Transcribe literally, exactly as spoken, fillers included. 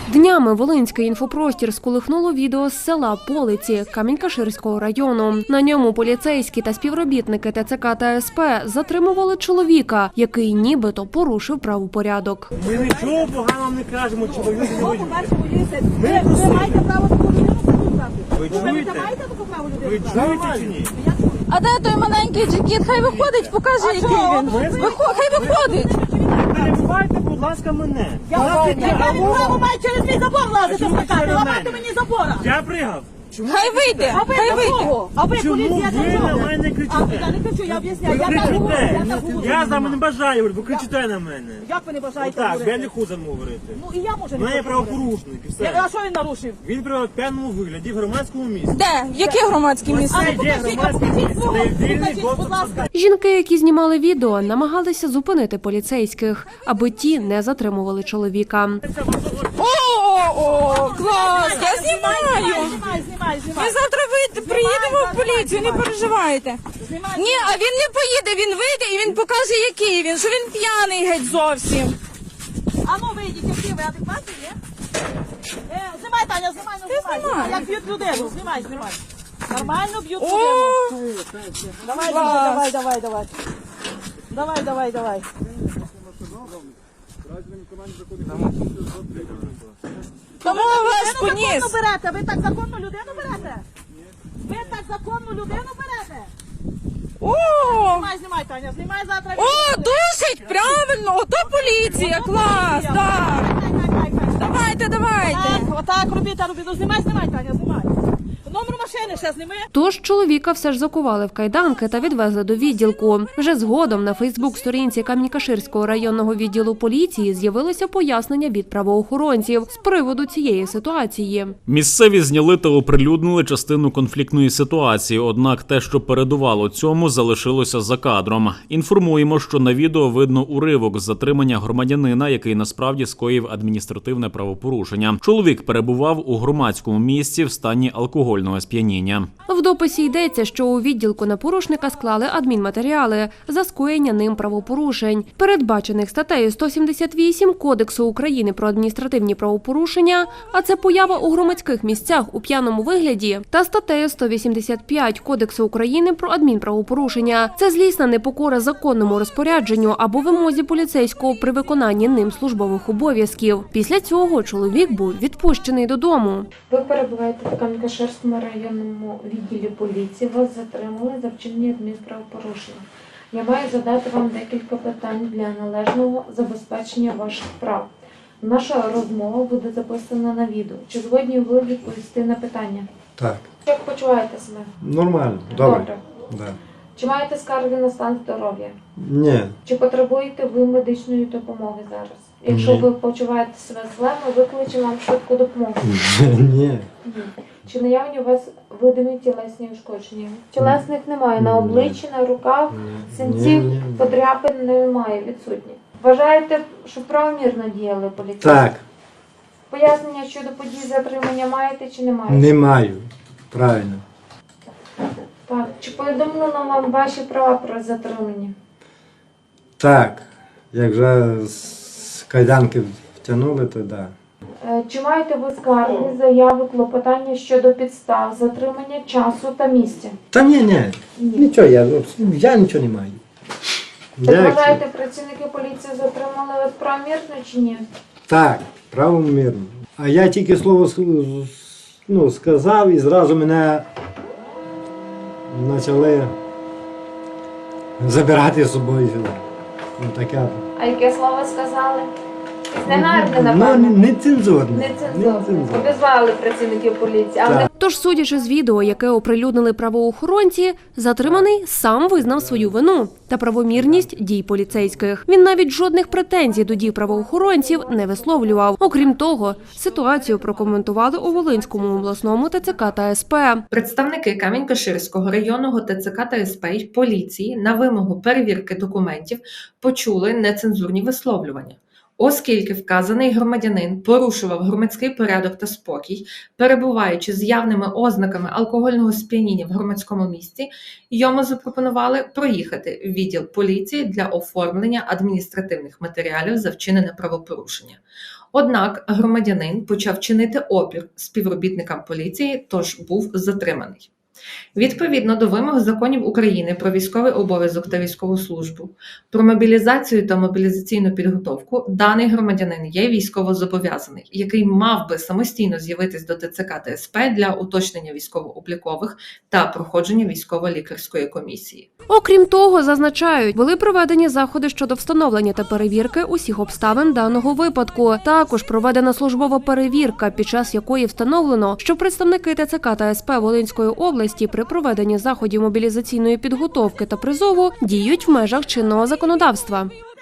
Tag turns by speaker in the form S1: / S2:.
S1: Днями Волинський інфопростір сколихнуло відео з села Полиці Камінь-Каширського району. На ньому поліцейські та співробітники ТЦК та СП затримували чоловіка, який нібито порушив правопорядок.
S2: Ми нічого поганого не кажемо, чоловік не
S3: Ви маєте право таку людину запитати?
S2: Ви
S3: Ви
S2: чуєте?
S3: маєте таку право
S2: Ви
S3: людину?
S2: чуєте чи ні?
S4: А де той маленький джекіт? Хай виходить, покаже, який він. Вихо- Хай виходить.
S2: Перебувайте, будь ласка, мене.
S3: Я не право маю через мій забор лазити
S2: чому ви
S3: скакати,
S2: через
S3: ламати
S2: мене?
S3: мені забора.
S2: Я пригав. Чому?
S4: Хай вийде,
S3: А ви
S4: хай
S3: до
S4: вийде.
S3: кого? А ви
S2: Чому
S3: поліція
S2: ви
S3: до
S2: на
S3: чого?
S2: мене
S3: А
S2: кричите?
S3: я не кричу, я об'ясняю.
S2: Ви
S3: Я так говорю, я так
S2: кричите.
S3: говорю.
S2: Я з вами не бажаю, ви кричите на мене.
S3: Як ви не бажаєте
S2: Так, я
S3: говорити?
S2: не хочу говорити.
S3: Ну і я можу
S2: У
S3: не
S2: мене є
S3: хочу говорити.
S2: правопорушник і
S3: Я-
S2: все.
S3: А що він нарушив?
S2: Він при п'яному вигляді в громадському місці.
S4: Де? Яке громадське місце?
S2: Це
S3: ну,
S2: є
S3: покажіть,
S2: громадське
S3: покажіть
S2: місце,
S3: свого.
S2: де вільний
S3: Покажіть, будь
S2: доступ.
S3: ласка.
S1: Жінки, які знімали відео, намагалися зупинити поліцейських, аби ті не затримували чоловіка.
S4: О, о, клас, я
S3: Знімай,
S4: знімаю.
S3: знімай, знімай,
S4: Ми
S3: знімай.
S4: завтра вийде, приїдемо в поліцію, не переживайте.
S3: Знімай.
S4: Ні, а він не поїде, він вийде і він покаже, який він, що він п'яний геть зовсім.
S3: А ну вийдіть, які ви адекватні, є? Е, знімай, Таня, знімай, ну знімай.
S4: знімай.
S3: Як б'ють людину, знімай, знімай. Нормально б'ють
S4: О,
S3: людину. Давай,
S4: клас.
S3: давай, давай, давай. Давай, давай, давай.
S4: Тому вас
S3: Ви
S4: поніс.
S3: законно берете, ви так законну людину берете? Ви так законну людину берете?
S4: О,
S3: Знімай, знімай, Таня, знімай завтра.
S4: о, душить, правильно, ото поліція, клас, так. Давайте, давайте.
S3: Так, отак робіть, а робіть. Ну знімай, знімай, Таня, знімай. Номер машини ще зніми.
S1: Тож чоловіка все ж закували в кайданки та відвезли до відділку. Вже згодом на Фейсбук-сторінці Камінь-Каширського районного відділу поліції з'явилося пояснення від правоохоронців з приводу цієї ситуації.
S5: Місцеві зняли та оприлюднили частину конфліктної ситуації, однак те, що передувало цьому, залишилося за кадром. Інформуємо, що на відео видно уривок з затримання громадянина, який насправді скоїв адміністративне правопорушення. Чоловік перебував у громадському місці в стані алкогольного сп'яніння.
S1: В дописі йдеться, що у відділку на порушника склали адмінматеріали за скоєння ним правопорушень, передбачених статтею сто сімдесят вісім Кодексу України про адміністративні правопорушення, а це поява у громадських місцях у п'яному вигляді, та статтею сто вісімдесят п'ять Кодексу України про адмінправопорушення. Це злісна непокора законному розпорядженню або вимозі поліцейського при виконанні ним службових обов'язків. Після цього чоловік був відпущений додому.
S6: Ви перебуваєте в Камінь-Каширському районному відділі поліції. Вас затримали за вчинення адмінправопорушення. Я маю задати вам декілька питань для належного забезпечення ваших прав. Наша розмова буде записана на відео. Чи згодні ви відповісти на питання?
S7: Так,
S6: Як почуваєте себе?
S7: нормально, добре.
S6: Добре.
S7: Да.
S6: Чи маєте скарги на стан здоров'я?
S7: Ні,
S6: Чи потребуєте ви медичної допомоги зараз? Якщо
S7: Ні.
S6: ви почуваєте себе зле, ми викличемо вам швидку допомогу.
S7: ні,
S6: Ні. Чи наявні у вас видимі тілесні ушкодження? Тілесних немає на
S7: Ні.
S6: обличчі, на руках,
S7: Ні.
S6: синців,
S7: Ні, ні.
S6: подряпин немає, відсутні. Вважаєте, що правомірно діяли поліцейські?
S7: так,
S6: Пояснення щодо подій затримання маєте чи не маєте?
S7: не маю, правильно.
S6: Так. Чи повідомлено вам ваші права про затримання?
S7: Так, як вже з кайданки втягнули, то да.
S6: Е, Чи маєте ви скарги, заяви, клопотання щодо підстав, затримання часу та місця?
S7: Та ні, ні,
S6: Ні.
S7: нічого, я, я нічого не маю.
S6: Так
S7: Як це?
S6: вважаєте, працівники поліції затримали вас правомірно чи ні?
S7: Так, правомірно. А я тільки слово ск- ну, сказав і зразу мене почали забирати з собою сюди. Ну, таке.
S6: А яке слово сказали? Негарне,
S7: Ну,
S6: напевно.
S7: нецензурне.
S6: Нецензурно. Обізвали працівників поліції. А
S7: Так.
S6: вони
S1: Тож, судячи з відео, яке оприлюднили правоохоронці, затриманий сам визнав свою вину та правомірність дій поліцейських. Він навіть жодних претензій до дій правоохоронців не висловлював. Окрім того, ситуацію прокоментували у Волинському обласному ТЦК та СП.
S8: Представники Камінь-Каширського районного ТЦК та СП й поліції на вимогу перевірки документів почули нецензурні висловлювання. Оскільки вказаний громадянин порушував громадський порядок та спокій, перебуваючи з явними ознаками алкогольного сп'яніння в громадському місці, йому запропонували проїхати в відділ поліції для оформлення адміністративних матеріалів за вчинене правопорушення. Однак громадянин почав чинити опір співробітникам поліції, тож був затриманий. Відповідно до вимог законів України про військовий обов'язок та військову службу, про мобілізацію та мобілізаційну підготовку, даний громадянин є військовозобов'язаний, який мав би самостійно з'явитись до ТЦК та СП для уточнення військово-облікових та проходження військово-лікарської комісії.
S1: Окрім того, зазначають, були проведені заходи щодо встановлення та перевірки усіх обставин даного випадку. Також проведена службова перевірка, під час якої встановлено, що представники ТЦК та СП Волинської області при проведенні заходів мобілізаційної підготовки та призову діють в межах чинного законодавства.